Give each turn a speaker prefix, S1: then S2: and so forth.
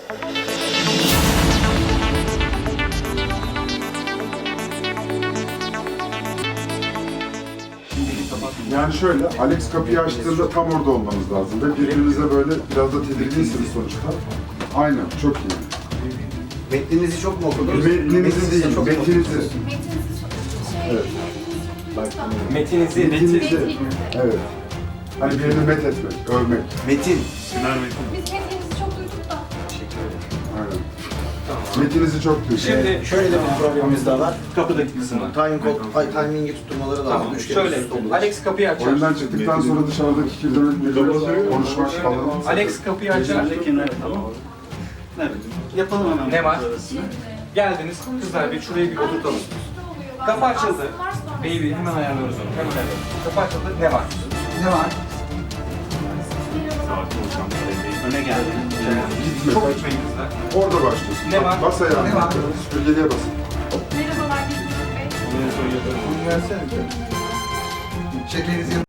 S1: Yani şöyle, Alex kapıyı açtığında tam orada olmanız lazım ve birbirinize böyle biraz da tedirginsiniz sonuçta. Aynen, çok iyi.
S2: Metninizi çok mu okudunuz?
S1: Metninizi değil, metninizi. Evet.
S3: Metinizi.
S1: Evet. Hani birini met etmek, övmek.
S2: Metin.
S4: Biz metninizi çok duyduk da.
S1: Aynen. Metinizi çok duydum.
S3: Şimdi
S2: Şöyle de bir problemimiz daha var.
S3: kapıdaki kısmı.
S2: Timingi tutturmaları lazım.
S3: Tamam,
S2: Üç kere
S3: şöyle.
S2: üst üste olur.
S3: Alex kapıyı açar.
S1: Oyundan çıktıktan sonra dışarıdaki kirlenip konuşmak falan.
S3: Alex kapıyı açar.
S5: Yapalım hemen.
S3: Ne var? Geldiniz. Kızlar bir şuraya bir oturtalım. Kapı açıldı. Baby hemen ayarlıyoruz onu. Hemen ayarlıyoruz. Kapı açıldı. Ne var?
S2: Ne var?
S5: Öne geldi.
S1: Gitme.
S3: Çok gitmeyin kızlar.
S1: Orada başlıyorsun.
S3: Ne var?
S1: Bas ayağını.
S2: Ne var?
S1: Süpürgeliğe basın.
S4: Merhabalar, Bilgin Bey.
S2: Şekerinizi